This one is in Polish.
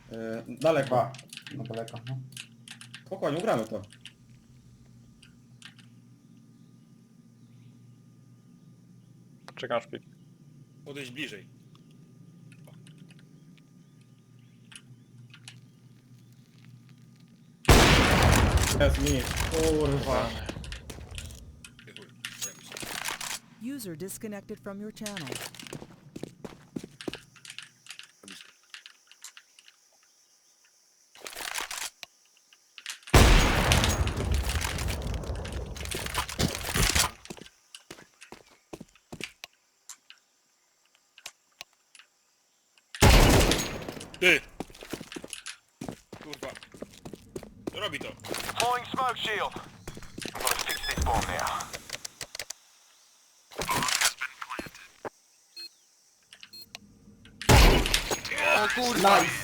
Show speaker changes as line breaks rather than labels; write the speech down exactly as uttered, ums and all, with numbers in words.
Yy, daleko.
Chyba. No daleko, no.
Spokojnie, ugramy to.
Czekam szpik.
Podejść bliżej.
Jest mi. Kurwa.
Ty chuj, remis.
User disconnected from your channel.
Blisko. Ty! Kurwa. Robi to.
Deploying smoke shield. I'm gonna fix this bomb now.
O kurwa!
Nice!